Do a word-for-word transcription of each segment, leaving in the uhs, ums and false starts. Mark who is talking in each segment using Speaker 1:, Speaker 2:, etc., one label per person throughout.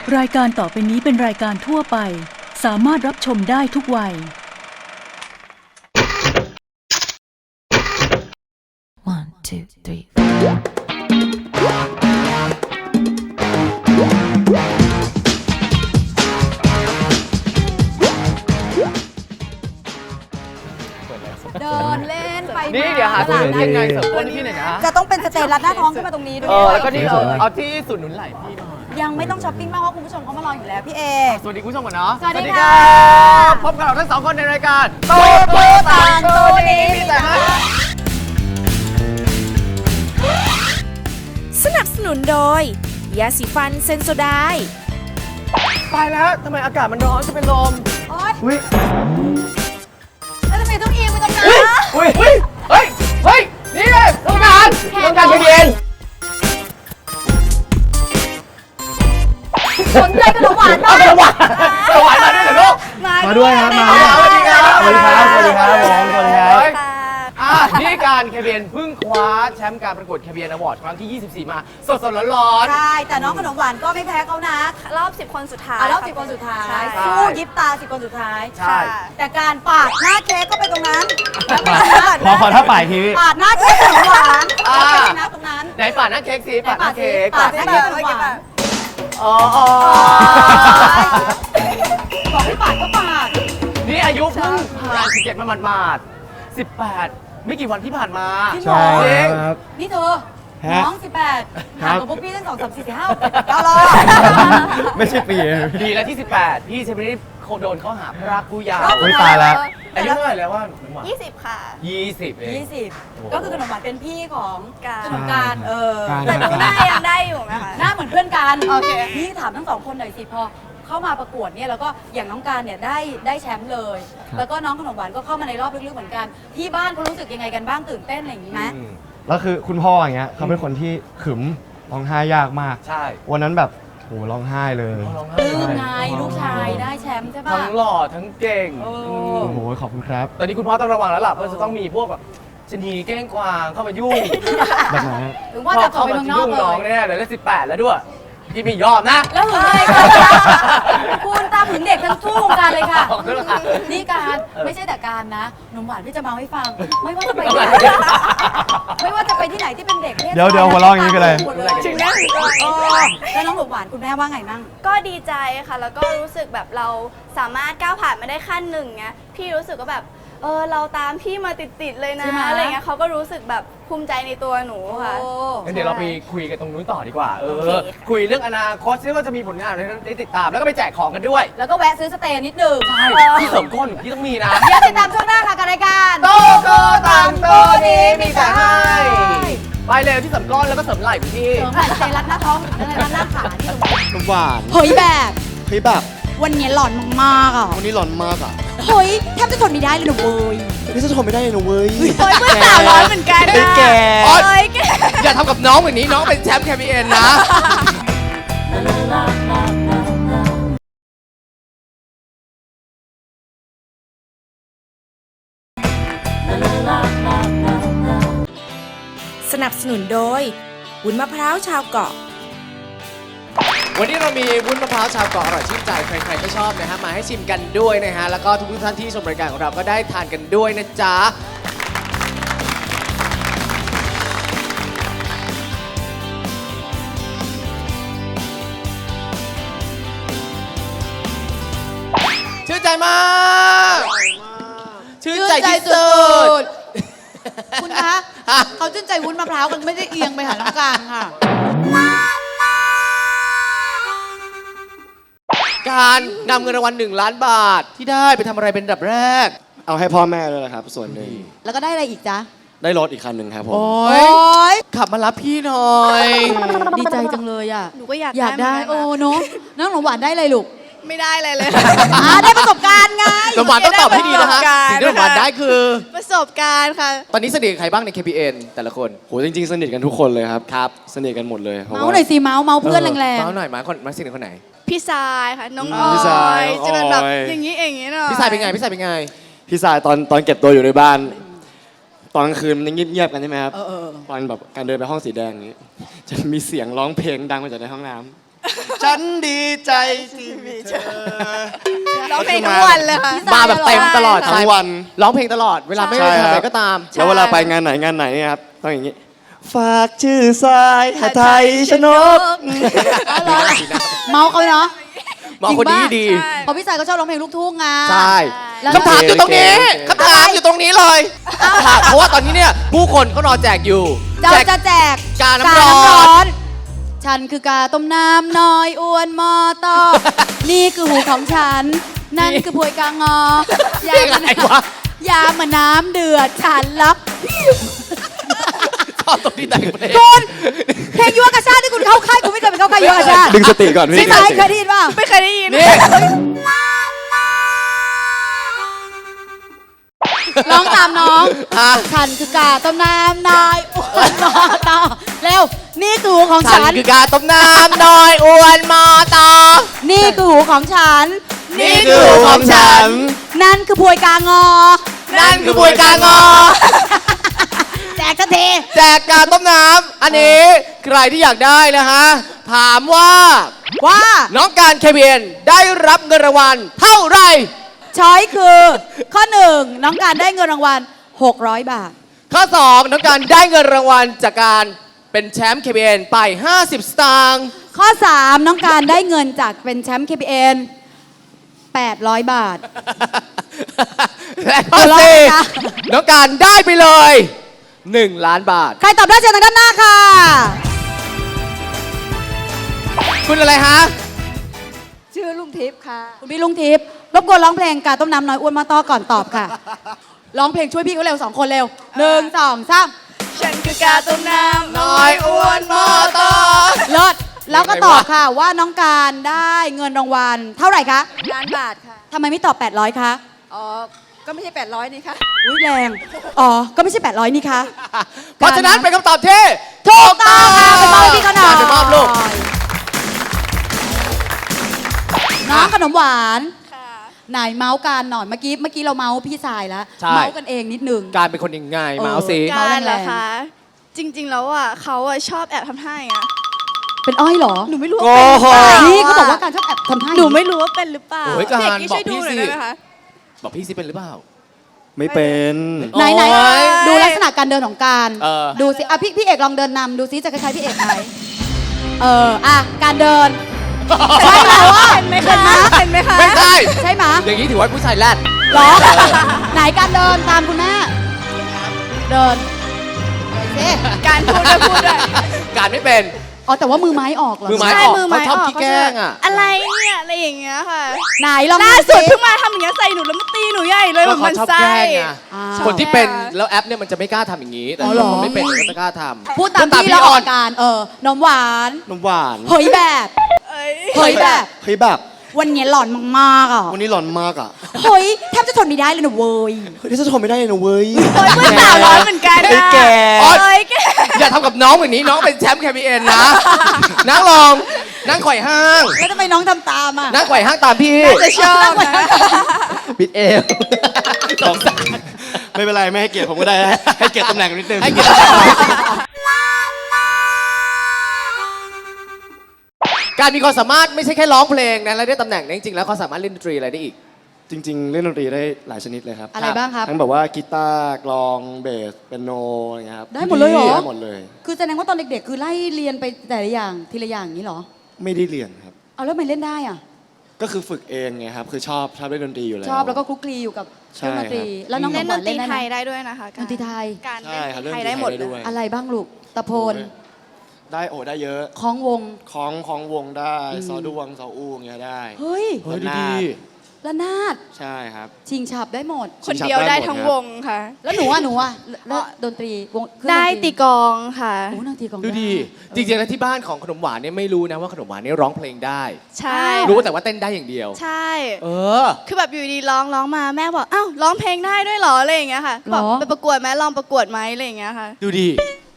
Speaker 1: รายการต่อไปนี้เป็นรายการทั่วไปสามารถรับชมได้ทุกวัย
Speaker 2: One, two, three.
Speaker 3: เดินเล่นไป
Speaker 4: นี่เดี๋ยวหาสถานที่ยังไงเสริมก้นให้พี่หน่อยนะ
Speaker 3: จะต้องเป็นสเตลัดหน้าท้องขึ้นมาตรงนี้ด้ว
Speaker 4: เอย อแล้วก็นี่เออเอาที่สุดหนุนไหล่พี่หน่อย
Speaker 3: ยังไม่ต้องช้อปปิ้งมากเพราะคุณผู้ชมเขามารออยู่แล้วพี่เอก
Speaker 4: สวัสดีคุณผู้ชมก่อนเนาะ
Speaker 3: สวัสดีค่ะ
Speaker 4: บพบกับเราทั้งสองคนในรายการโตโต
Speaker 3: ต่างโตนี้มีแต่ให้
Speaker 5: สนับสนุนโดย ยาสีฟันเซนโซไดน์
Speaker 4: ตายแล้วทำไมอากาศมันร้อนจะเป็นลม
Speaker 3: โอ๊ย
Speaker 4: อุ้ย
Speaker 3: แล้วทำไมต้องเอียงไปตรงนั้น
Speaker 4: อุ้ยอุ้ยเฮ้ยเฮ้ยนี่เลยต้องการต้องการเย็น
Speaker 3: สนใจขนมหวาน
Speaker 4: เอา
Speaker 3: บ้าง
Speaker 4: สวรรค์สวรรค์มาด้วยเหรอลูก
Speaker 6: มาด้วยครับมา
Speaker 4: สวัสดีครับ
Speaker 6: สวัสดีครับสวัสดีครับผมสวัสดีครับ
Speaker 4: อ่ะนี่การแคเบียนเพิ่งคว้าแชมป์การประกวดแคเบียนอวอร์ดครั้งที่ ยี่สิบสี่ มาสดๆร้อนๆ
Speaker 3: ใช่แต่น้องขนมหวานก็ไม่แพ้เขานะ
Speaker 7: รอบสิบคนสุดท้าย
Speaker 3: อ่ะรอบ
Speaker 7: ค่ะ
Speaker 3: สิบคนสุดท้าย
Speaker 7: ใช่
Speaker 3: สู้ยิบตาสิบคนสุดท้าย
Speaker 4: ใช่
Speaker 3: แต่การปาดหน้าเค้กก็ไปตรงนั้น
Speaker 6: ขอขอท่าป่ายทีพี่
Speaker 3: ปาดหน้าเค้กขนมหวาน
Speaker 4: อ่า
Speaker 3: ก็ไปชนะตรงนั้น
Speaker 4: ไหนปาดหน้าเค้กสิปาดหน้าเค้ก
Speaker 3: ปาดหน้าเค้กขนมหวาน
Speaker 4: อ๋ออ๋อ
Speaker 3: บอกให้ปาดก็ปาด
Speaker 4: นี่อายุเพิ่งผ่านสิบเจ็ดมาหมาดๆสิบแปดไม่กี่วันที่ผ่านมา
Speaker 3: จริงเหรอ
Speaker 6: ใช่ครับ
Speaker 3: นี่เธอ
Speaker 6: ฮะ
Speaker 3: น้องสิบแปด
Speaker 6: ครั
Speaker 3: ห่าง
Speaker 6: บ
Speaker 3: กับพวกพี่ตั้งสองสามสี่สี่ห้าหกเจ็ดแปดเก้ารอบ
Speaker 6: ไม่ใช่ปีนะ
Speaker 4: ดีแล้วที่สิบแปดพี่เชฟนี่โดนข้อหาพรากผู้เยาว์
Speaker 3: รอบ
Speaker 6: โอ๊ยตายแล้ว
Speaker 4: อายุเท่าไหร่แล้วว่าหนูหวาน
Speaker 7: ยี่สิบค่ะ
Speaker 4: ยี่สิบเอง
Speaker 3: ยี่สิบก็คือขนมหวานเป็นพี่ของ
Speaker 7: การ
Speaker 3: ขนมการเออ
Speaker 6: การ
Speaker 7: แต่ดูหน้ายังได้อยู่ไหมคะ
Speaker 3: หน้าเหมือนเพื่อนกัน
Speaker 7: โอเค
Speaker 3: นี่ถามทั้งสองคนหน่อยสิพอเข้ามาประกวดเนี่ยแล้วก็อย่างน้องการเนี่ยได้ได้แชมป์เลย แล้วก็น้องขนมหวานก็เข้ามาในรอบลึกๆเหมือนกัน ที่บ้านเขารู้สึกยังไงกันบ้างตื่นเต้นอะไรอย่างนี้ไหม
Speaker 4: อืม
Speaker 6: แล้วคือคุณพ่ออย่างเงี้ยเขาเป็นคนที่ขึมร้องไห้ยากมาก
Speaker 4: ใช่
Speaker 6: วันนั้นแบบโหร้องไห้เลย
Speaker 4: ร้องไห้
Speaker 3: ตื่นไงลูกชายได้แชมป์ใช่ปะ
Speaker 4: ทั้งหล่อทั้งเก่ง
Speaker 3: โอ้
Speaker 6: โอ้โหขอบคุณครับ
Speaker 4: ตอนนี้คุณพ่อต้องระวังแล้วล่ะเพราะจะต้องมีพวกแบบชะนีเก้งกวางเข้ามายุ่ง
Speaker 6: แบบไหนฮะ
Speaker 3: ถึงว่าจะส่งไปเมืองนอก
Speaker 4: เข้ามายุ่ง
Speaker 3: เล
Speaker 4: น้อง
Speaker 3: ย
Speaker 4: แน่เลยแล้วสิบแปดแล้วด้วยพี่ไม่ยอมนะ
Speaker 3: แล้วหึงอะไรกันคุณตามหึงเด็กทั้งทั่ววงการเลยค่ะ
Speaker 4: ขอบคุณค่ะ
Speaker 3: นี่การไม่ใช่แต่การนะหนุ่มหวานพี่จะเมาให้ฟัง ไม่ว่าจะไปที่ไหนไม่ว่าจะไปที่ไหนที่เป็นเด็กเพศ
Speaker 6: เดี๋ยวเดี๋ยวหัวเราะอย่างนี้กันเลย
Speaker 3: หมดเลย
Speaker 7: จริงนะ
Speaker 3: เออแล้วน้องหนุ่มหวานคุณแม่ว่าไงมั่ง
Speaker 7: ก็ดีใจค่ะ แล้วก็รู้สึกแบบเราสามารถก้าวผ่านมาได้ขั้นหนึ่งเงี้ยพี่รู้สึกว่าแบบเออเราตามพี่มาติดๆเลยนะ
Speaker 3: ใช่ไหม
Speaker 7: อะไรเงี้ยเขาก็รู้สึกแบบภูมิใจในตัวหนูค่ะ
Speaker 3: โอ้
Speaker 4: งั้นเดี๋ยวเราไปคุยกันตรงนู้นต่อดีกว่า เอ
Speaker 7: โอ
Speaker 4: อ
Speaker 7: เค
Speaker 4: คุยเรื่องอนาคตซิว่าจะมีผลงานอะไรได้ติดตาม แล้วก็ไปแจกของกันด้วย
Speaker 3: แล้วก็แวะซื้อสเตย์นิดหนึ่ง
Speaker 4: ใช่ที่เสริมก้นที่ต้องมีนะ
Speaker 3: เดี๋ยวติดตามช่วงหน้าค่ะกับรายการ
Speaker 4: โตโตต่างโตนี้มีแต่ให้ ไปเลยที่เสริมก้นแล้วก็เสริมไหล่พี่ที่
Speaker 3: เสริมไหล่สเตย์รัดหน้าท้องสเตย์รัดหน้าขาที่ตรงนี้
Speaker 6: น้ำหวาน
Speaker 3: เฮ้ยแบบ
Speaker 6: เฮ้ยแบบ
Speaker 3: วันนี้หลอนมากๆอ่ะ
Speaker 6: วันนี้ร้อนมากอ่ะ
Speaker 3: เฮ้ยแทบจะทนไม่ได้เลยนะเว้ย
Speaker 6: นี่จะทนไม่ได้เลยนะเว้ย
Speaker 7: เฮ้ยเพื่อนสาวร้อนเหมือนกัน
Speaker 6: ไอ้แก
Speaker 4: โอ๊ย
Speaker 7: เอ้ยแก
Speaker 4: อย่าทำกับน้องแบบนี้น้องเป็นแชมป์แคบีเอ็นนะ
Speaker 5: สนับสนุนโดย วุ้นมะพร้าวชาวเกาะ
Speaker 4: วันนี้เรามีวุ้นมะพร้าวชาวเกาะอร่อยชื่นใจใครๆก็ชอบนะฮะมาให้ชิมกันด้วยนะฮะแล้วก็ทุกท่านที่ชมรายการของเราก็ได้ทานกันด้วยนะจ๊ะชื่นใจมากชื่นใจที่สุด
Speaker 3: คุณคะ เขาชื่นใจวุ้นมะพร้าวกันไม่ได้เอียงไปหาน้องการค่ะ
Speaker 4: การนำเงินรางวัลหนึ่งล้านบาทที่ได้ไปทำอะไรเป็นอันดับแรก
Speaker 6: เอาให้พ่อแม่เลยนะครับ ส่วนหนึ่ง
Speaker 3: แล้วก็ได้อะไรอีกจ๊ะ
Speaker 6: ได้รถอีกคันหนึ่งครับผม
Speaker 4: โอ้
Speaker 3: โอ้
Speaker 4: ย
Speaker 3: ย
Speaker 4: ขับมารับพี่หน่อย
Speaker 3: ดีใจจังเลยอ่ะ
Speaker 7: หนูก็อยาก
Speaker 3: อยากได้
Speaker 7: เหมืนน
Speaker 3: โอ้
Speaker 7: นะ
Speaker 3: เนาะน้องหนมหวานได้อะไรลูก
Speaker 7: ไม่ได้อะไรเลย
Speaker 3: อ่าได้ประสบการณ์ไง
Speaker 4: สมหวานต้องตอบให้ดีนะฮะ สิ่งที่สมหวานได้คือ
Speaker 7: ประสบการณ์ค่ะ
Speaker 4: ตอนนี้สนิทกับใครบ้างใน เค พี เอ็น แต่ละคน
Speaker 6: โหจริงๆ สนิทกันทุกคนเลยครับ
Speaker 4: ครับ
Speaker 6: สนิทกันหมดเลยพระ
Speaker 3: เมา
Speaker 6: ว่
Speaker 3: หน่อยสิเมาเมาเพื่อนแรง
Speaker 4: เมาหน่อยมาคนมาสนิทคนไหน
Speaker 7: พี่ทรายค่ะ น้อง
Speaker 6: อื
Speaker 7: อ
Speaker 6: มพี่ท
Speaker 7: อ
Speaker 6: ราย
Speaker 7: ย
Speaker 6: น้อง
Speaker 7: จะเป็นแบบ
Speaker 6: ออย
Speaker 7: อย่างนี้อย่างนี้เนาะ
Speaker 4: พี่สายเป็นไง พี่สายเป็นไง
Speaker 6: พี่สายตอนตอนเก็บตัวอยู่ในบ้าน ตอนกลางคืนมันเงียบๆกันใช่ไหมครับ
Speaker 3: เออเออ
Speaker 6: ตอนแบบการเดินไปห้องสีแดงอย่างนี้ จะมีเสียงร้องเพลงดังมาจากในห้องน้ำฉันดีใจที่มีเธอ
Speaker 7: ร้องเพลงทุกวันเลยค่ะ
Speaker 4: มาแบบเต็มตลอด
Speaker 6: ทั้งวัน
Speaker 4: ร้องเพลงตลอดเวลาไม่
Speaker 6: ใช่
Speaker 4: ได้
Speaker 6: ค
Speaker 4: ทำ
Speaker 6: รับ
Speaker 4: อะไรก็ตาม
Speaker 6: แล้วเวลาไปงานไหนงานไหนเนี่ยครับต้องอย่างนี้ ฝากชื่อสายหาไทยชนก
Speaker 8: เมาเขาเนาะ
Speaker 4: หมอคนนี้ดี
Speaker 8: เพราะพี่สายก็ชอบร้องเพลงลูกทุ่งไง
Speaker 4: ใช่
Speaker 8: แล้ว
Speaker 4: คำถามอยู่ตรงนี้
Speaker 6: โอเค
Speaker 4: คำถามอยู่ตรงนี้เลยค่ะเพราะว่าตอนนี้เนี่ยผู้คนเขารอแจกอยู่
Speaker 8: เรา
Speaker 4: แจก
Speaker 8: จะแจก
Speaker 4: กาน้ำร้อน
Speaker 8: นฉันคือกาต้มน้ำน้อยอ้วนมอตอ นี่คือหูของฉัน นั่นคือพวยกางอ
Speaker 4: เพลงอะไรวะ
Speaker 8: ยามาน้ำเดือดฉันรัก
Speaker 4: ชอบตรงที่แต่งเพลง
Speaker 8: คุณเพลงยุวกชาติที่คุณเข้าค่ายคุณไม่เคยไปเข้าค่ายยุวกชาติ
Speaker 6: ดึงสติก่อนพี่
Speaker 8: ใช่ไหม
Speaker 6: ดึงสติ
Speaker 8: เคยได้ยินเปล่า
Speaker 7: ไม่เคยได้ยิน
Speaker 4: นี่
Speaker 8: ร้องตามน้อง
Speaker 4: อ่ะ
Speaker 8: ฉันคือกาต้มน้ำน้อยอ้วนมอตอเร็ว นี่คือหูของ
Speaker 4: ฉั
Speaker 8: ฉั
Speaker 4: น
Speaker 8: น
Speaker 4: คือกาต้มน้ำน้อยอ้วนมอตอ
Speaker 8: นี่คือหูของฉัน
Speaker 4: นี่คือหูของฉัน
Speaker 8: นั่นคือพวยกางอ
Speaker 4: นั่นคือบวยกางอ
Speaker 8: แจกทันที
Speaker 4: แจกกาต้มน้ำอันนี้ใครที่อยากได้นะฮะ ถามว่า
Speaker 8: ว่า
Speaker 4: น้องการเคเบียนได้รับเงินรางวัลเท่าไหร่
Speaker 8: ช้อยคือ ข้อหนึ่งน้องการได้เงินรางวัลหกร้อยบาท
Speaker 4: ข้อสองน้องการได้เงินรางวัลจากการเป็นแชมป์ เค บี เอ็น ไป ห้าสิบ สตางค์
Speaker 8: ข้อสามน้องการได้เงินจากเป็นแชมป์ เค พี เอ็น แปดร้อยบาท
Speaker 4: และข้อ
Speaker 8: หัวเราะ
Speaker 4: สี่
Speaker 8: นะคะ
Speaker 4: น้องการได้ไปเลย หนึ่ง ล้านบาท
Speaker 8: ใครตอบได้เชิญทางด้านหน้าค่ะ
Speaker 4: คุณอะไรฮะ
Speaker 7: ชื่อลุงทิพย์ค่ะ
Speaker 8: คุณพี่ลุงทิพย์รบกวนร้องเพลงกาต้มน้ำน้อยอ้วนมาต่อก่อนตอบค่ะ ร้องเพลงช่วยพี่เขาเร็วสองคนเร็วหนึ่งสองสาม
Speaker 7: ฉันคือกาต้มน้ำ
Speaker 4: น้อยอ้วนมอตอ
Speaker 8: เลิศแล้วก็ตอบค่ะว่าน้องการได้เงินรางวัลเท่าไหร่คะ
Speaker 7: ล้านบาทค่ะ
Speaker 8: ทำไมไม่ตอบแปดร้อยคะ
Speaker 7: อ๋อ ก็ไม่ใช่แปดร้อยนี่ค่ะ
Speaker 8: อุ้ยแรง อ๋อ ก็ไม่ใช่แปดร้อยนี่คะ
Speaker 4: เพราะฉะนั้นเป็นคำตอบที่
Speaker 8: ถูกต้องค่ะไปมอบให้พี่เขาหน่อย
Speaker 4: ไปมอบลูก
Speaker 8: น้องขนมหวาน
Speaker 7: ค่ะ
Speaker 8: ไหนเมาส์กันหน่อยเมื่อกี้เมื่อกี้เราเมาส์พี่สายแล้ว
Speaker 4: ใช่
Speaker 8: เมาส์กันเองนิดนึง
Speaker 4: การเป็นคนยังไง
Speaker 8: เออ
Speaker 4: มาเอาสิ
Speaker 8: เมา
Speaker 7: การเหรอ
Speaker 8: แรงๆ
Speaker 7: คะ จริง ๆ แล้วอ่ะเขาอ่ะชอบแอบทำท่าอย่างเงี้ย
Speaker 8: เป็นอ้อยเหรอ
Speaker 7: หนูไม่รู้ว่าเป็นหรือเปล่า
Speaker 8: นี่เขาบอกว่าการชอบแอบทำท่า
Speaker 7: หนูไม่รู้ว่าเป็นหรือเปล่า
Speaker 4: โอ้ยการ
Speaker 7: พี่เอกกี้
Speaker 4: บอ
Speaker 7: ช่
Speaker 4: ก
Speaker 7: วยดู
Speaker 4: พี่
Speaker 7: หน่อย
Speaker 4: สิ
Speaker 7: ได้ไหมคะ
Speaker 4: บอกพี่สิเป็นหรือเปล่า
Speaker 6: ไม่เป็น
Speaker 8: ไหนไหน
Speaker 4: โอ๊ย
Speaker 8: ดูลักษณะการเดินของการ
Speaker 4: เออ
Speaker 8: ดูสิอ่ะพี่พี่เอกลองเดินนำดูซิจะคล้ายๆพี่เอกไหมเอออ่ะการเดิน ใช่ไหมว่า
Speaker 7: เห็นไหมคะเห็นไหมคะ
Speaker 4: ไม่ใช่
Speaker 8: ใช่ไหม
Speaker 4: อย่างนี้ถือว่าผู้ชายแรด
Speaker 8: เหรอไหนการเดินตามคุณแม่เดินเดินสิ
Speaker 7: การพูดด้วยพูดด้วย
Speaker 4: การไม่เป็น
Speaker 8: อ๋อแต่ว่ามือไม้ออกเหรอ
Speaker 4: มือไม้
Speaker 7: ใช่
Speaker 4: ออก
Speaker 7: มือไม้
Speaker 4: เขาชอบ
Speaker 7: ออก
Speaker 4: ขี้แกล้งอะ
Speaker 7: อะไรเนี่ยอะไรอย่างเงี้ยค่ะ
Speaker 8: ไหนลอง
Speaker 7: ล่าสุด
Speaker 8: สิ
Speaker 7: เพิ่งมาทำอย่างเงี้ยใส่หนูแล้วมาตีหนูใหญ่เลยแบบ
Speaker 4: เขา
Speaker 7: มัน
Speaker 4: ชอบ
Speaker 7: ไส้
Speaker 4: แกล้งไง
Speaker 8: อ่า
Speaker 4: คนที่เป็นแล้วแอปเนี่ยมันจะไม่กล้าทำอย่างนี้ แต่
Speaker 8: อ๋อเหร
Speaker 4: ค
Speaker 8: อ
Speaker 4: นไม่เป็นก็จะกล้าทำ
Speaker 8: พูดตามที่
Speaker 4: พี่
Speaker 8: เราอ
Speaker 4: อ
Speaker 8: อ
Speaker 4: อก น
Speaker 8: การเออนมหวาน
Speaker 6: นมหวาน
Speaker 8: เฮ้ยแบบ
Speaker 7: เอ้ย
Speaker 8: เฮ้ยแบบ
Speaker 6: เฮ้ยแบบ
Speaker 8: วันนี้หลอนมากๆอ่ะ
Speaker 6: วันนี้หลอนมากอ่ะ
Speaker 8: เฮ้ยแทบจะทนไม่ได้เลยนะเว้ย
Speaker 6: เฮ้ยนี่จะทนไม่ได้เลยนะเว้ย
Speaker 7: โอ้ยเพื่อนสาวร้อนเหมือนกัน
Speaker 6: ไอ้
Speaker 7: นะ
Speaker 6: แก
Speaker 7: โอ้ยแก
Speaker 4: อย่าทำกับน้องแบบนี้น้องเป็นแชมป์ เค บี เอ็น นะ นั่งลอง นั่งไขว่ห้าง
Speaker 8: แล้วทำไมน้องทำตามอ่ะ
Speaker 4: นั่งไขว่ห้างตามพี่
Speaker 7: จะชอบนะ
Speaker 4: ปิดเอวสงสาร
Speaker 6: ไม่เป็นไรไม่ให้เกียรติผมก็ได้ ให้เกียรติตำแหน่งนิดนึง
Speaker 4: ให้เกียรติการมีความสามารถไม่ใช่แค่ร้องเพลงนะแล้วได้ตำแหน่งนะจริงๆแล้วเขาสามารถเล่นดนตรีอะไรได้อีก
Speaker 6: จริง ๆ เล่นดนตรีได้หลายชนิดเลยครับ
Speaker 8: อะไรบ้างครับ
Speaker 6: ทั้งแบบว่ากีตาร์กลองเบสเปียโนอะไรเงี้ยครับ
Speaker 8: ได้หมดเลยเหรอ
Speaker 6: ได้หมดเลย
Speaker 8: คือแสดงว่าตอนเด็กๆ คือไล่เรียนไปแต่ละอย่างทีละอย่างอย่างนี้เหรอ
Speaker 6: ไม่ได้เรียนครับ
Speaker 8: เอาแล้วทำไมเล่นได้อ่ะ
Speaker 6: ก็คือฝึกเองไงครับ คือชอบชอบเล่นดนตรีอยู่แล้ว
Speaker 8: ชอบแล้วก็คลุกคลีอยู่กับเครื่องดนตรี
Speaker 6: ใช่ครับ
Speaker 8: แล้วน้อง
Speaker 7: เล่น
Speaker 8: ห
Speaker 7: ด
Speaker 8: วาน
Speaker 7: นตรี
Speaker 8: เล่นได้
Speaker 7: ไท
Speaker 8: ไหม
Speaker 7: ยได้ด้วยนะคะ
Speaker 8: ดนตรีไทย
Speaker 7: การ
Speaker 6: ใช่ครับเล่น
Speaker 7: ไท
Speaker 6: ด
Speaker 7: ย
Speaker 6: นตรี
Speaker 7: ได้หมด
Speaker 6: ไทย
Speaker 7: เล
Speaker 6: ได้ด้วย
Speaker 7: ย
Speaker 8: อะไรบ้างลูกตะโพน
Speaker 6: ได้โอ้ได้เยอะ
Speaker 8: คล้องวง
Speaker 6: คล้องคล้องวงได้
Speaker 8: อืม
Speaker 6: ซอดวงซออู้อย่างเงี้ยได้
Speaker 8: เฮ้ย
Speaker 4: เฮ้ยดูดี
Speaker 8: ระนาด
Speaker 6: ใช่ครับ
Speaker 8: ชิงฉับได้หมด
Speaker 7: คนเดียวได้ทั้งวงค่ะ
Speaker 8: แล้วหนูอ่ะหนูอ่ะแล้วดนตรีวงเครื่อง
Speaker 7: ได้
Speaker 8: น
Speaker 7: ตีกลองค่ะ
Speaker 8: โอ้นางตีกลอง
Speaker 4: ดูดี
Speaker 8: ไ
Speaker 4: จริงๆแล้วที่บ้านของขนมหวานเนี่ยไม่รู้นะว่าขนมหวานเนี่ยร้องเพลงได้
Speaker 7: ใช่
Speaker 4: รู้แต่ว่าเต้นได้อย่างเดียว
Speaker 7: ใช่
Speaker 4: เออ
Speaker 7: คือแบบอยู่ดีร้องร้องมาแม่บอกอ้าวร้องเพลงได้ด้วยเหรออะไรอย่างเงี้ยค่ะบอกไปประกวดไหมลองประกวดไหมอะไรอย่างเงี้ยค่ะ
Speaker 4: ดูดี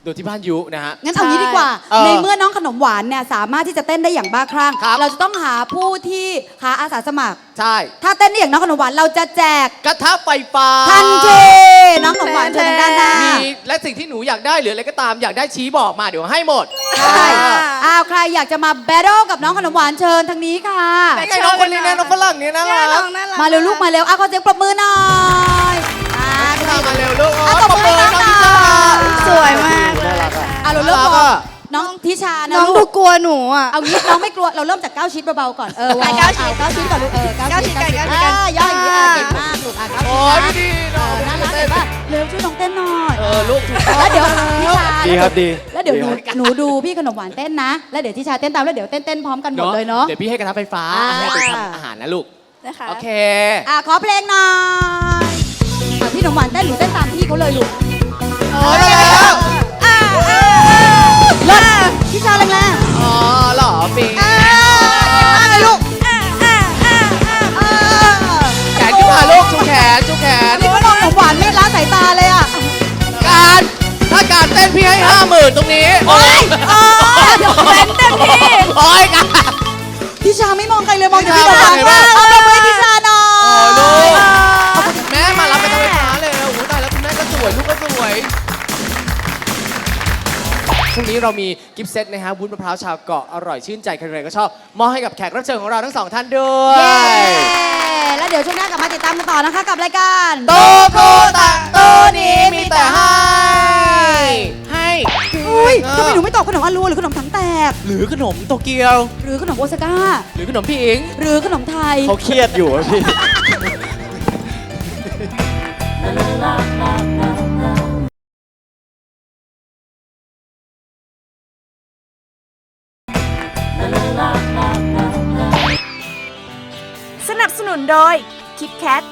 Speaker 4: ดูที่บ้านยุนะฮะ
Speaker 8: งั้นเอางี้ดีกว่า
Speaker 4: เออ
Speaker 8: ในเมื่อน้องขนมหวานเนี่ยสามารถที่จะเต้นได้อย่างบ้าคลั่ง
Speaker 4: ครับ
Speaker 8: เราจะต้องหาผู้ที่หาอาสาสมัคร
Speaker 4: ใช่
Speaker 8: ถ้าเต้นได้อย่างน้องขนมหวานเราจะแจก
Speaker 4: กระทะไฟฟ้า
Speaker 8: ทันที น้องขนมหวานเชิญทางด้านหน้า
Speaker 4: มีและสิ่งที่หนูอยากได้หรืออะไรก็ตามอยากได้ชี้บอกมาเดี๋ยวให้หมด
Speaker 8: ใช่อ้าวใครอยากจะมาแบทเทิลกับน้องขนมหวานเชิญทางนี้ค่ะ
Speaker 4: ไอ้น้องคนนี้นะน้องฝรั่งเนี่ยนะ
Speaker 7: เนี่ย
Speaker 4: รั
Speaker 7: น้
Speaker 4: ก
Speaker 7: องน่ารัก
Speaker 8: มาเร็วลูกมาเร็วอ่ะขอเสียงปรบมือหน่อยอ่ะ
Speaker 4: พี่ตามมาเร็วลูก
Speaker 8: อ่ะ
Speaker 4: โอ้ย
Speaker 8: ต
Speaker 4: ป
Speaker 8: บ
Speaker 4: รบ
Speaker 8: มื
Speaker 4: มื
Speaker 8: อ
Speaker 4: อ
Speaker 8: ให้
Speaker 4: น้อง
Speaker 8: น้
Speaker 4: ทิ
Speaker 8: อง
Speaker 4: ชา
Speaker 7: สวยมากเลย
Speaker 8: อ่ะเราเริ่ม
Speaker 4: แล้ว
Speaker 8: ก่
Speaker 4: ก็
Speaker 8: อนน้องทิชานะ
Speaker 7: น้อง
Speaker 8: ลู
Speaker 7: ดู
Speaker 8: ก
Speaker 7: กลัวหนูอ่ะ
Speaker 8: เอางี้น้องไม่กลัวเราเริ่มจากเก้าชิ้นเบาๆก่อนเออวอร์ม
Speaker 7: เก้าชิ้น
Speaker 8: อ่ะเก้าชิ้นก่อนลูกเออเก้า
Speaker 7: เก้า
Speaker 8: ชิ้น
Speaker 7: ชิ้น
Speaker 8: เก้า
Speaker 7: กัน
Speaker 8: ชิ้น
Speaker 7: เก้าชิ้นกัน
Speaker 8: อ่ะย่อยอย่างนี้อ่ะเก่งมากลูกอ่ะเก้าชิ้น
Speaker 4: โอ้ย
Speaker 8: นะ
Speaker 4: ไม่ดีน้อง
Speaker 8: น่ารักเห็นปะเร็วช่วยน้องเต้นหน่อย
Speaker 4: เออลูกถูกต้อง
Speaker 8: แล้วเดี๋ยวทิชา
Speaker 6: ดีครับดี
Speaker 8: แล้วเดี๋ยวหนู
Speaker 6: ดีครับ
Speaker 8: หนูดูพี่ขนมหวานเต้นนะ แล้วเดี๋ยวทิชาเต้นตามแล้วเดี๋ยวเต้นเต้นพร้อมกันหมดเลยเนาะ
Speaker 4: เดี๋ยวพี่ให้กระทะไฟฟ้า
Speaker 8: อ่า
Speaker 4: ให้ไปทำอาหารนะลูก
Speaker 7: นะคะ
Speaker 4: โอเค
Speaker 8: อ่ะขอเพลงหน่อยอ่ะพี่ขนมหวานเต้นหนูเต้นตามพี่เขาเลยลูก
Speaker 4: โอ้ยได้แล้ว
Speaker 7: อ่าอ่า
Speaker 8: เลิศทิชาแรง
Speaker 4: อ๋อเหรอปิง
Speaker 8: ๆอ่ะเก่งมากเลยลูก
Speaker 7: อ่าอ่าอ่าอ่า
Speaker 8: เออ
Speaker 4: แขนขึ้นมาลูกชูแขนชูแขน
Speaker 8: นี่ว่าน้องขนมหวานไม่ละสายตาเลยอ่ะ
Speaker 4: การถ้าการเต้นพี่ให้ห้าหมื่นตรงนี้ โอ้ย
Speaker 8: เดี๋ยวเต้นเต็มที่
Speaker 4: โอ้ยการ
Speaker 8: ทิชาไม่มองใครเลยมองแต่พี่
Speaker 4: ทิ
Speaker 8: ขน
Speaker 4: ชาม
Speaker 8: หวาน
Speaker 4: เห็นปะ
Speaker 8: เอาปรบมือให้ทิชาหน่อ
Speaker 4: โอ้
Speaker 8: ย
Speaker 4: ลูกแม่มารับไปทำไฟฟ้าเลยโอ้โหตายแล้วคุณแม่ก็สวยลูกก็สวยช่วงนี้เรามีกิฟต์เซตนะฮะวุ้นมะพร้าวชาวเกาะอร่อยชื่นใจใครๆก็ชอบมอบให้กับแขกรับเชิญของเราทั้งสองท่านด้วย
Speaker 8: เย้แล้วเดี๋ยวช่วงหน้ากลับมาติดตามกันต่อนะคะกับรายการ
Speaker 4: โตโกตะโตนี้มีแต่ให้ ให้
Speaker 8: อุ้ยทำไมหนูไม่ตอบขนมอารัวหรือขนมถังแตก
Speaker 4: หรือขนมโตเกียว
Speaker 8: หรือขนมโอซาก้า
Speaker 4: หรือขนมพี่อิง
Speaker 8: หรือขนมไทย
Speaker 6: เขาเครียดอยู่อะพี่
Speaker 5: สนับสนุนโดยคิดแคท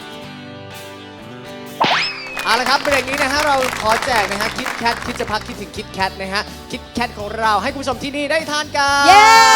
Speaker 4: เอาละครับเบรกนี้นะฮะเราขอแจกนะฮะคิดแคทคิดจะพักคิดถึงคิดแคทนะฮะคิดแคทของเราให้คุณผู้ชมที่นี่ได้ทานกัน
Speaker 8: เย้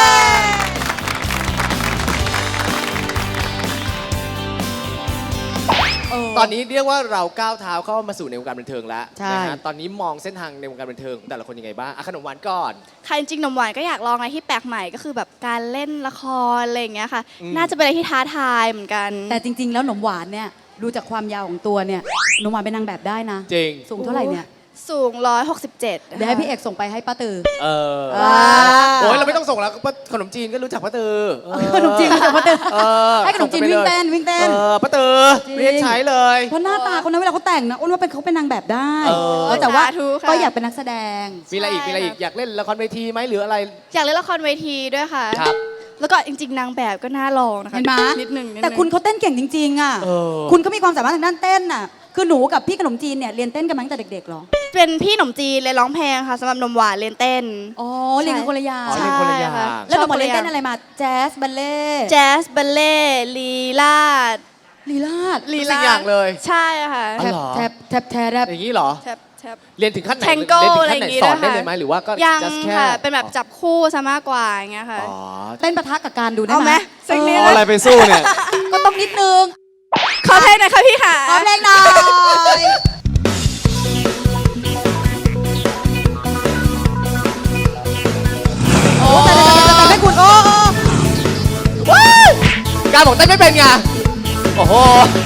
Speaker 4: ตอนนี้เรียกว่าเราก้าวเท้าเข้ามาสู่ในวงการบันเทิงแล้ว
Speaker 8: ใช่
Speaker 4: นะฮะตอนนี้มองเส้นทางในวงการบันเทิงของแต่ละคนยังไงบ้างอ่ะขนมหวานก่อน
Speaker 7: ค่ะจริงๆหนมหวานก็อยากลองอะไรที่แปลกใหม่ก็คือแบบการเล่นละครอะไรอย่างเงี้ยค่ะ
Speaker 4: อืม
Speaker 7: น่าจะเป็นอะไรที่ท้าทายเหมือนกัน
Speaker 8: แต่จริง ๆ แล้วขนมหวานเนี่ยดูจากความยาวของตัวเนี่ยขนมหวานเป็นนางแบบได้นะ
Speaker 4: จริง
Speaker 8: สูงเท่าไหร่เนี่ย
Speaker 7: สูงร้อยหกสิบเจ็ด
Speaker 8: เดี๋ยวให้พี่เอกส่งไปให้ป้าตือ
Speaker 4: เออ
Speaker 8: อ่า
Speaker 4: โอ้ยเราไม่ต้องส่งแล้วป้าขนมจีนก็รู้จักป้าตือเออ
Speaker 8: ขนมจีนรู้จักป้าตือ
Speaker 4: เออ
Speaker 8: ให้ขนมจีนวิ่งเต้นวิ่งเต้น
Speaker 4: เออป้าตือ
Speaker 8: จริง
Speaker 4: เรียกใช้เลย
Speaker 8: เพราะหน้าตาคนนั้นเวลาเขาแต่งนะอ้วนว่าเป็นเขาเป็นนางแบบได้
Speaker 4: เออ
Speaker 8: เออแต่ว่า
Speaker 7: สาธุค่ะ
Speaker 8: ก็อยากเป็นนักแสดง
Speaker 4: มีอะไรอีกมีอะไรอีกอยากเล่นละครเวทีไหมหรืออะไร
Speaker 7: อยากเล่นละครเวทีด้วยค่ะ
Speaker 4: ครับ
Speaker 7: แล้วก็จริง ๆ นางแบบก็น่าลองนะคะ
Speaker 8: เห็นไหม
Speaker 7: นิดหนึ่งนิดหนึ่ง
Speaker 8: แต่คุณเขาเต้นเก่งจริงๆอ่ะ
Speaker 4: เออ
Speaker 8: คุณก็มีความสามารถทางด้านเต้นน่ะคือหนูกับพี่ขนมจีนเนี่ยเรียนเต้นกันมาตั้งแต่เด็กๆเหรอ
Speaker 7: เป็นพี่หนมจีนเรียนร้องเพลงค่ะสำหรับหนมหวานเรียนเต้น
Speaker 8: อ๋อเรียนกันคนละอย่าง
Speaker 4: อ๋อเรียนคนละอย่าง
Speaker 7: ใช่
Speaker 8: แล้วหนูมา
Speaker 7: ชอบ
Speaker 8: เรียนเต้น
Speaker 7: ค
Speaker 8: อะไรมาแจ๊สบัลเล่ต์
Speaker 7: แจ๊สบัลเล่ลีลาด
Speaker 8: ลีลาด
Speaker 7: ลี
Speaker 4: ทุกสิ่งอย่างเลย
Speaker 7: ใช่ค่ะ
Speaker 4: อ๋อ
Speaker 8: แทบ
Speaker 4: เหรอ
Speaker 8: แทบแทบแทบแทบ
Speaker 4: อย่างนี้เหรอ
Speaker 7: แทบแทบ
Speaker 4: เรียนถึงขั้นไหน
Speaker 7: Tango
Speaker 4: เรียนถึงขั้นไหน
Speaker 7: อะไรอย่างงี้
Speaker 4: สอน
Speaker 7: ด้วย
Speaker 4: ได้
Speaker 7: ค่ะ
Speaker 4: เลยไหมหรือว่าก็
Speaker 7: ยัง
Speaker 4: just แค่
Speaker 7: ค่ะ เป็นแบบจับคู่ซะมากกว่าอย่างเงี้ยค่ะ
Speaker 4: อ๋อ
Speaker 8: เต้นปะทะกับการดูได้
Speaker 7: เอา
Speaker 8: ไห
Speaker 7: ไห
Speaker 8: ม
Speaker 7: มสักนิด
Speaker 6: เอาอะไรไปสู้เนี่ย
Speaker 8: ก็ต้องนิดนึง
Speaker 7: ขอเพลงหน่อยค่ะพี่ค่ะ
Speaker 8: ขอเพลงหน่อยโอ้แต่แต่แต่แต่ให้คุณโอ้โอ้
Speaker 4: การบอกเต้นไม่เป็นไง โอ้โห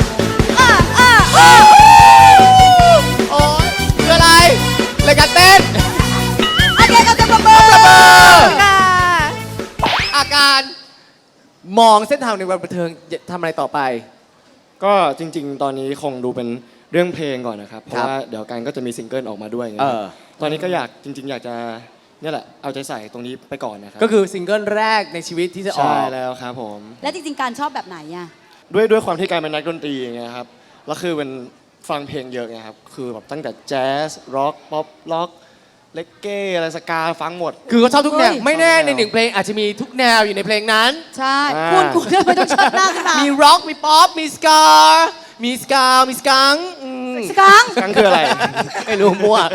Speaker 4: โอ้ยคืออะไรรายการเต้น
Speaker 8: โอเคก็จะประเมิน
Speaker 7: ค่ะ
Speaker 4: อาการมองเส้นทางในวงการบันเทิงจะทำอะไรต่อไป
Speaker 6: ก็จริง ๆ ตอนนี้คงดูเป็นเรื่องเพลงก่อนนะครับ เพ
Speaker 4: ครั
Speaker 6: ราะ
Speaker 4: บ
Speaker 6: ว่าเดี๋ยวกันก็จะมีซิงเกิลออกมาด้วยไง
Speaker 4: เออ
Speaker 6: ตอนนี้ก็อยากจริง ๆ อยากจะเนี่ยแหละเอาใจใส่ตรงนี้ไปก่อนนะครับ
Speaker 4: ก็คือซิงเกิลแรกในชีวิตที่จะออ
Speaker 6: ใช่
Speaker 4: ก
Speaker 6: แล้วครับผม
Speaker 8: และจริงๆการชอบแบบไหนอ่ะ
Speaker 6: ด้วยด้วยความที่การเป็นนักดนตรีไงครับแล้วคือเป็นฟังเพลงเยอะไงครับคือแบบตั้งแต่แจ๊สร็อกป๊อปล็อกเลกเก้อะไรสกาฟังหมด
Speaker 4: คือเขาชอบทุกแนว
Speaker 8: เฮ้ย
Speaker 4: ไม่แน่
Speaker 6: ชอบทุกแนว
Speaker 4: ในหนึ่งเพลงอาจจะมีทุกแนวอยู่ในเพลงนั้น
Speaker 8: ใช่
Speaker 6: อ่า
Speaker 8: คุณคุณทำไมต้องเชิดหน้าขึ้นมา
Speaker 4: มีร็อก มีป๊อป มีสกา มีสกา มีสกังอืม
Speaker 8: สกัง
Speaker 6: ครั้งคืออะไร
Speaker 4: ไม่รู้มั่ว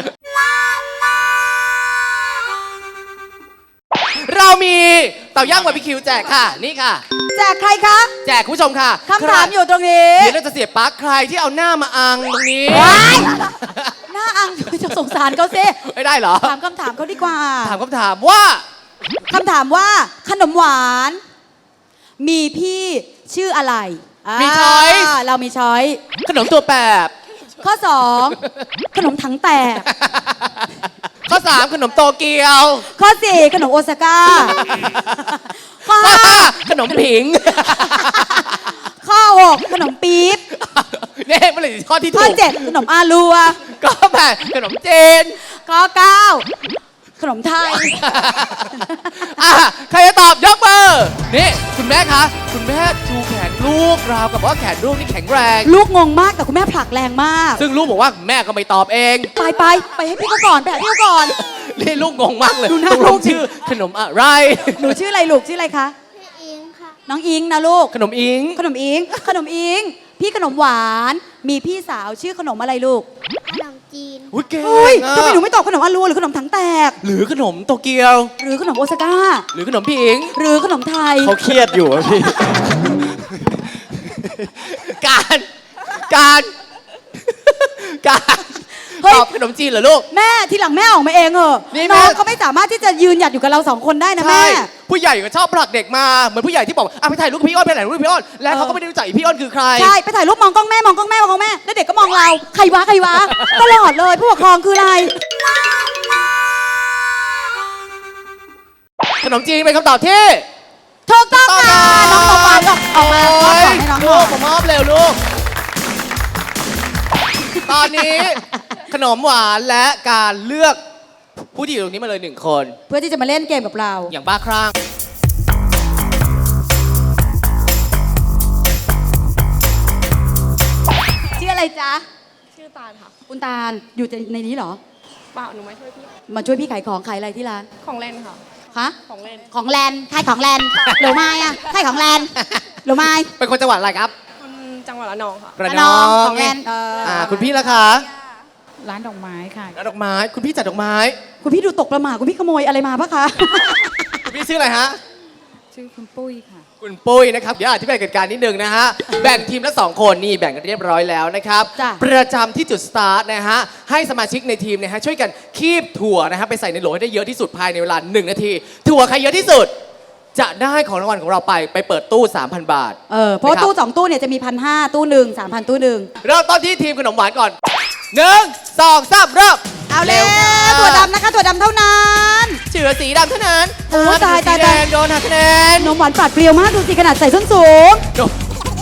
Speaker 4: เรามีเต่าย่างบาร์บีคิวแจกค่ะ นี่ค่ะ
Speaker 8: แจกใครคะ
Speaker 4: แจกคุณผู้ชมค่ะ
Speaker 8: คำถามอยู่ตรงนี้
Speaker 4: เดี๋ยวเราจะเสียบปลั๊กใครที่เอาหน้ามาอังตรงนี้
Speaker 8: ว้ายหน้าอังจะสงสารเขาสิ
Speaker 4: ไม่ได้เหรอ
Speaker 8: ถามคำถามเขาดีกว่า
Speaker 4: ถามคำถามว่า
Speaker 8: คำถามว่าขนมหวาน มีพี่ชื่ออะไรา
Speaker 4: มี choice
Speaker 8: เรามีช้อย
Speaker 4: ขนมตัวแปบ
Speaker 8: ข้อ สอง ขนมถังแตก
Speaker 4: ข้อสามขนมโตเกียว
Speaker 8: ข้อ สี่ ขนมโอซาก้า ข้อ
Speaker 4: ข้อ
Speaker 8: ห้า
Speaker 4: ห้าขนมผิง
Speaker 8: ข้อ หก ขนมปี๊บ
Speaker 4: เนี่ยมันเลยข้อที่
Speaker 8: ข้อ
Speaker 4: ถูก
Speaker 8: เจ็ด ขนมอาลัว
Speaker 4: ก็แปดขนมเจน
Speaker 8: ข้อ เก้า ขนมไทย
Speaker 4: อ่ะใครจะตอบยกมือนี่คุณแม่คะ คุณแม่ชูแขนลูกราวกับว่าแขนลูกนี่แข็งแรง
Speaker 8: ลูกงงมากแต่คุณแม่ผลักแรงมาก
Speaker 4: ซึ่งลูกบอกว่าแม่ก็ไม่ตอบเอง
Speaker 8: ไปไปไปให้พี่เขาก่อนไปหาพี่เขาก่อน
Speaker 4: นี่ลูกงงมากเลย
Speaker 8: ดูหน้า
Speaker 4: ตกล
Speaker 8: ลู
Speaker 4: ง
Speaker 8: ก
Speaker 4: ชื่อขนมอะไร
Speaker 8: หนูชื่ออะไรลูกชื่ออะไรคะ
Speaker 7: อิงค่ะ
Speaker 8: น้องอิงนะลูก
Speaker 4: ขนมอิง
Speaker 8: ขนมอิง ขนมอิง พี่ขนมหวาน มีพี่สาวชื่อขนมอะไรลูก
Speaker 7: ขนมจีน
Speaker 4: อุ้ยเก่ง
Speaker 8: เฮ้ย
Speaker 4: อะ
Speaker 8: ทำไมหนูไม่ตอบขนมอาลัวหรือขนมถังแตก
Speaker 4: หรือขนมโตเกียว
Speaker 8: หรือขนมโอซาก้า
Speaker 4: หรือขนมผิง
Speaker 8: หรือขนมไทย
Speaker 6: เขาเครียดอยู่อะพี่
Speaker 4: การการการ
Speaker 8: เฮ้ย
Speaker 4: ตอบขนมจีนเหรอลูก
Speaker 8: แม่ทีหลังแม่ออกมาเองเหอะ
Speaker 4: นี่แม่
Speaker 8: น้องเขาไม่สามารถที่จะยืนหยัดอยู่กับเราสองคนได้นะ
Speaker 4: ใช่
Speaker 8: แม่
Speaker 4: ผู้ใหญ่ก็ชอบผลักเด็กมาเหมือนผู้ใหญ่ที่บอกอ่ะไปถ่ายรูปกับพี่อ้อนไปถ่ายรูปกับพี่อ้อนแล้วเขาก็ไม่ได้รู้จักอีพี่อ้อนคือใคร
Speaker 8: ใช่ ไปถ่ายรูปมองกล้องแม่มองกล้องแม่มองกล้องแม่ แล้วเด็กก็มองเรา ใครวะใครวะ ตลอดเลยผู้ปกครองคืออะไร
Speaker 4: ขนมจีนเป็นคำตอบที่
Speaker 8: ถูกต้องค่ะน้องตบวานออกออกมา
Speaker 4: โอ้
Speaker 8: ขอย ให้น้องหน่
Speaker 4: ลู
Speaker 8: อก ย
Speaker 4: ผมมอบเร็วลูก ตอนนี้ขนมหวานและการเลือกผู้ที่อยู่ตรงนี้มาเลยหนึ่งคน
Speaker 8: เพื่อที่จะมาเล่นเกมกับเรา
Speaker 4: อย่างบ้าคลั่ง
Speaker 8: ชื่ออะไรจ๊ะ
Speaker 7: ชื่อตาลค่ะ
Speaker 8: คุณตาล อยู่ในนี้เหรอ
Speaker 7: เปล่าหนูมาช่วยพี่
Speaker 8: มาช่วยพี่ขายของขายอะไรที่ร้าน
Speaker 7: ของเล่นค่ะ
Speaker 8: ฮะ
Speaker 7: ของเล่น
Speaker 8: ของแลนขายของแลนหรือไม่อะขายของแลนหรือไม่
Speaker 4: เป็นคนจังหวัดอะไรครับ
Speaker 7: คนจังหวัดระนองค่ะ
Speaker 4: ระนอง
Speaker 8: ของแลนเอออ
Speaker 4: อ่าคุณพี่ละคะ
Speaker 1: ร้านดอกไม้ค่ะ
Speaker 4: ร้านดอกไม้ คุณพี่จัดดอกไม้
Speaker 8: คุณพี่ดูตกประหม่าคุณพี่ขโมยอะไรมาปะคะ
Speaker 4: คุณพี่ชื่ออะไรฮะ
Speaker 1: ชื่อคุณปุ้ยค่ะ
Speaker 4: คุณปุ้ยนะครับ เดี๋ยวอธิบายเหตุการณ์นิดนึงนะฮะ แบ่งทีมละสองคนนี่แบ่งกันเรียบร้อยแล้วนะครับ
Speaker 8: จ้ะ
Speaker 4: ประจำที่จุดสตาร์ทนะฮะ ให้สมาชิกในทีมนะฮะช่วยกันคีบถั่วนะฮะไปใส่ในโหลให้ได้เยอะที่สุดภายในเวลาหนึ่งนาที ถั่วใครเยอะที่สุด จะได้ของรางวัลของเราไปไปเปิดตู้ สามพัน บาท
Speaker 8: เออ เพราะว่า
Speaker 4: นะครับ
Speaker 8: ตู้สองตู้เนี่ยจะมีพันห้าตู้หนึ่งสามพันตู้หนึ่ง
Speaker 4: เริ่มต้นที่ทีมขนมหวานก่อนหนึ่งสองสามเริ่ม
Speaker 8: เอาแล้ว
Speaker 4: ค่ะ
Speaker 8: ถั่วดำนะคะถั่วดำเท่านั้น
Speaker 4: เฉือสีดำเท่านั้น
Speaker 8: โอ้ตาย
Speaker 4: สี
Speaker 8: ตาย
Speaker 4: แด
Speaker 8: ตาย
Speaker 4: งโดนหักคะแนน
Speaker 8: นมหวานปราดเปรียวมากดูสิขนาดใส่ส้นสูง
Speaker 4: โดน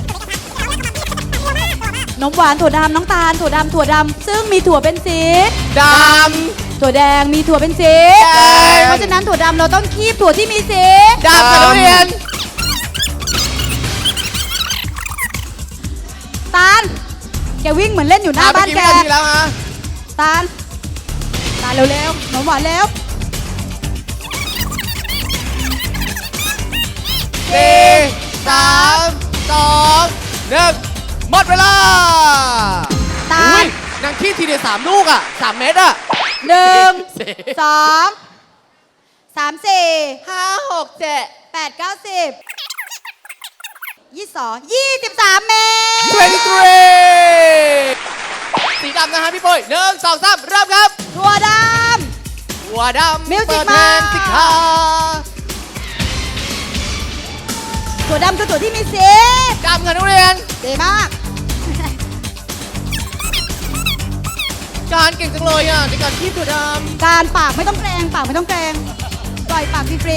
Speaker 8: นมหวานถั่วดำน้องตาลถั่วดำถั่วดำซึ่งมีถั่วเป็นสี
Speaker 4: ด
Speaker 8: ถั่วแดงมีถั่วเป็นสี
Speaker 4: แดง
Speaker 8: เพราะฉะนั้นถั่วดำเราต้องคีบถั่วที่มีสี
Speaker 4: ำดำกับทุเรียน
Speaker 8: ตาลแกวิ่งเหมือนเล่นอยู่หน้าบ้านแก
Speaker 4: อ่ะเมื่อกี้วินาทีแล้วฮะ
Speaker 8: ตาลตาลเร็วๆนมหวานเร็ว
Speaker 4: สี่สามสองหนึ่งหมดเวลา
Speaker 8: ตา
Speaker 4: อุ๊
Speaker 8: ล
Speaker 4: ยนางขี้ทีเดียวสามลูกอ่ะสามเม็ดอ่ะ
Speaker 8: หนึ่ง
Speaker 4: สี่
Speaker 8: สองสามสี่
Speaker 4: ห้าหกเจ็ด
Speaker 8: แปดเก้าสิบยี่สิบสองยี่สิบสามเมตร
Speaker 4: ยี่สิบสามสีดำนะฮะพี่ปุ้ยหนึ่งสองสามเริ่มครับ
Speaker 8: ถั่วด
Speaker 4: หัวดำ
Speaker 8: Music
Speaker 4: เปิดเพลง
Speaker 8: มา
Speaker 4: สิคะ
Speaker 8: ำถั่วดำคือถั่วที่มีสี
Speaker 4: ดำกับทุเรียน
Speaker 8: ดีมาก
Speaker 4: การเก่งจังเลยอ่ะในการคีบตัวด
Speaker 8: การปากไม่ต้องแกรงปากไม่ต้องแกรงปล่อยปากฟรี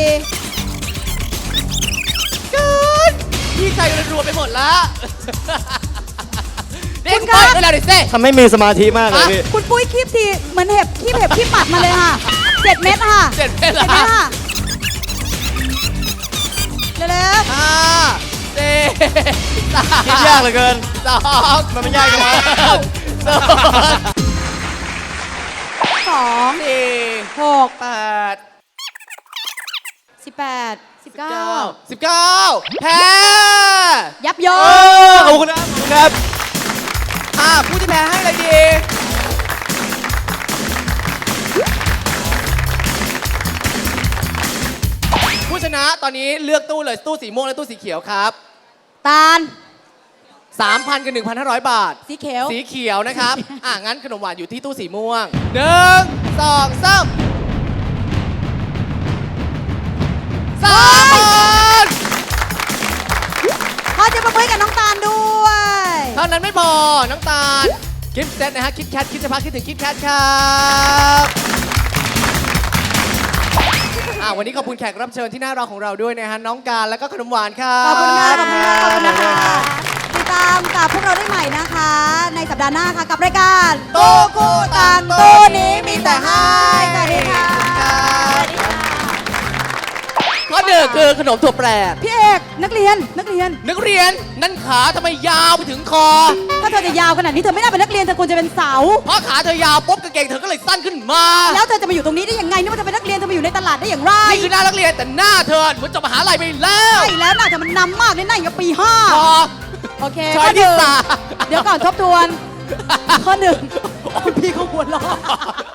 Speaker 4: ำการพี่ใจรัวๆไปหมดละเด็กไปเวลาดิเซ่
Speaker 6: ทำให้มีสมาธิมากเลยพี่
Speaker 8: ๆคุณปุ้ยคีบทีเหมือนเห็บคีบเห็บคีบปัดมาเลยค่ะเจ็ดเม็ดค่ะ
Speaker 4: เจ็ดเม็ด
Speaker 8: เจ็
Speaker 4: ละ
Speaker 8: ดเม็ดค่ะเร็ว
Speaker 4: ห้าสี่สาม
Speaker 6: คิดยากเหลือเกิน
Speaker 4: สอง
Speaker 6: มันไม่ยากจังวะ
Speaker 4: สอง
Speaker 8: ๆสอง
Speaker 4: สี่
Speaker 8: หก
Speaker 4: แปด
Speaker 8: สิบแปดสิบเก้า
Speaker 4: เก้าสิบเก้าแพ้
Speaker 8: ยับย
Speaker 6: โอ้
Speaker 8: ง
Speaker 6: ขอบคุณครับขอบคุณครับ
Speaker 4: อ่าผู้ที่แพ้ให้อะไรดี ผู้ชนะตอนนี้เลือกตู้เลยตู้สีม่วงและตู้สีเขียวครับ
Speaker 8: ตาล
Speaker 4: สามพันกับหนึ่งพันห้าร้อยบาท
Speaker 8: สีเขียว
Speaker 4: สีเขียวนะครับ อ่ะ งั้นขนมหวานอยู่ที่ตู้สีม่วงหนึ่งสองสามสามพัน
Speaker 8: ขอจะมาเพื่อกับน้องตาลด้วย
Speaker 4: เท่านั้นไม่พอ น้องตาลกิฟต์เซตนะฮะ คิดแคทคิดจะพักคิดถึงคิดแคทครับ อ่ะ วันนี้ขอบคุณแขกรับเชิญที่น่ารักของเราด้วยนะฮะ น้องการแล้วก็ขนมหวานครับ
Speaker 8: ขอบคุณค่ะขอบคุณค่ะขอบคุณนะคะติดตามกับพวกเราได้ใหม่นะคะ ในสัปดาห์หน้าค่ะกับรายการ
Speaker 4: ตู้คู่ต่างตู้นี้มีแต่ให้
Speaker 8: สวัสดีค่ะ
Speaker 4: ข้อหนึ่งคือขนมถั่วแปร
Speaker 8: พี่เอกนักเรียนนักเรียน
Speaker 4: นักเรียนนั่นขาทำไมยาวไปถึงคอ
Speaker 8: ถ้าเธอจะยาวขนาดนี้เธอไม่น่าเป็นนักเรียนเธอควรจะเป็นเสา
Speaker 4: เพราะขาเธอยาวปุ๊บกางเกงเธอก็เลยสั้นขึ้นมา
Speaker 8: แล้วเธอจะมาอยู่ตรงนี้ได้ยังไงนี่ว่าเธอเป็นนักเรียนเธอมาอยู่ในตลาดได้อย่างไร
Speaker 4: นี่คือหน้านักเรียนแต่หน้าเธอเหมือนจบมหาลัยไปแล้ว
Speaker 8: ใช่แล้วน่าจะมันนำมากเลยน่าอยู่ปีห้า
Speaker 4: พอ
Speaker 8: โอเค
Speaker 4: ช้อย
Speaker 8: ข้อห
Speaker 4: ที่
Speaker 8: นึ่ง
Speaker 4: สาม
Speaker 8: เดี๋ยวก่อนทบทวน ข้อหนึ่งพี่เขาหัวเราะ